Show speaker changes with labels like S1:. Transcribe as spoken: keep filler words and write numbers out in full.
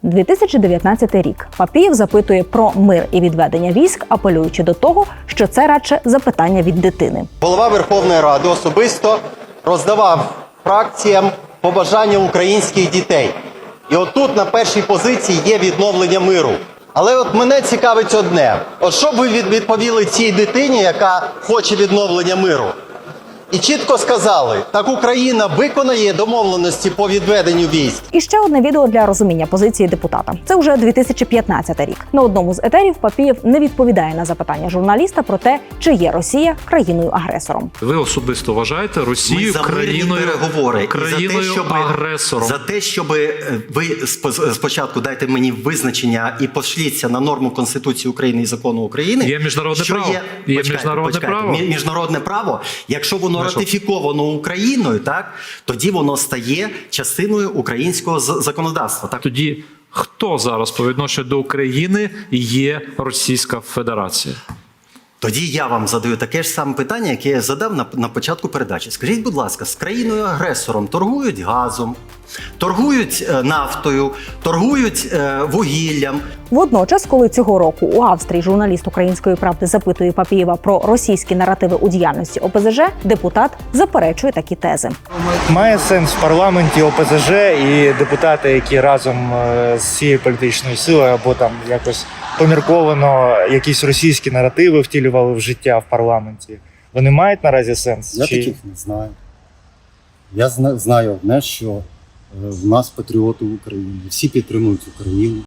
S1: дві тисячі дев'ятнадцятий рік. Папієв запитує про мир і відведення військ, апелюючи до того, що це радше запитання від дитини.
S2: Голова Верховної Ради особисто роздавав фракціям побажання українських дітей. І отут на першій позиції є відновлення миру. Але от мене цікавить одне. От що б ви відповіли цій дитині, яка хоче відновлення миру? І чітко сказали, так Україна виконає домовленості по відведенню військ.
S1: І ще одне відео для розуміння позиції депутата. Це вже дві тисячі п'ятнадцятий рік. На одному з етерів Папієв не відповідає на запитання журналіста про те, чи є Росія країною-агресором.
S3: Ви особисто вважаєте Росію
S4: Ми
S3: країною,
S4: переговори
S3: країною
S4: і за те, щоб,
S3: агресором?
S4: За те, щоб ви спочатку дайте мені визначення і пошліться на норму Конституції України і закону України.
S3: Є міжнародне
S4: що
S3: право.
S4: Є,
S3: Є
S4: почекайте,
S3: міжнародне
S4: почекайте.
S3: право.
S4: Міжнародне право, якщо воно ратифіковано Україною, так, тоді воно стає частиною українського законодавства. Так?
S3: Тоді хто зараз по відношенню до України є Російська Федерація?
S4: Тоді я вам задаю таке ж саме питання, яке я задав на, на початку передачі. Скажіть, будь ласка, з країною-агресором торгують газом, торгують е, нафтою, торгують е, вугіллям.
S1: Водночас, коли цього року у Австрії журналіст «Української правди» запитує Папієва про російські наративи у діяльності О Пе Зе Же, депутат заперечує такі тези.
S5: Має сенс в парламенті О Пе Зе Же і депутати, які разом з цією політичною силою або там якось помірковано якісь російські наративи втілювали в життя в парламенті. Вони мають наразі сенс?
S6: Я
S5: Чи...
S6: таких не знаю. Я зна- знаю одне, що е, в нас патріоти України. Всі підтримують Україну.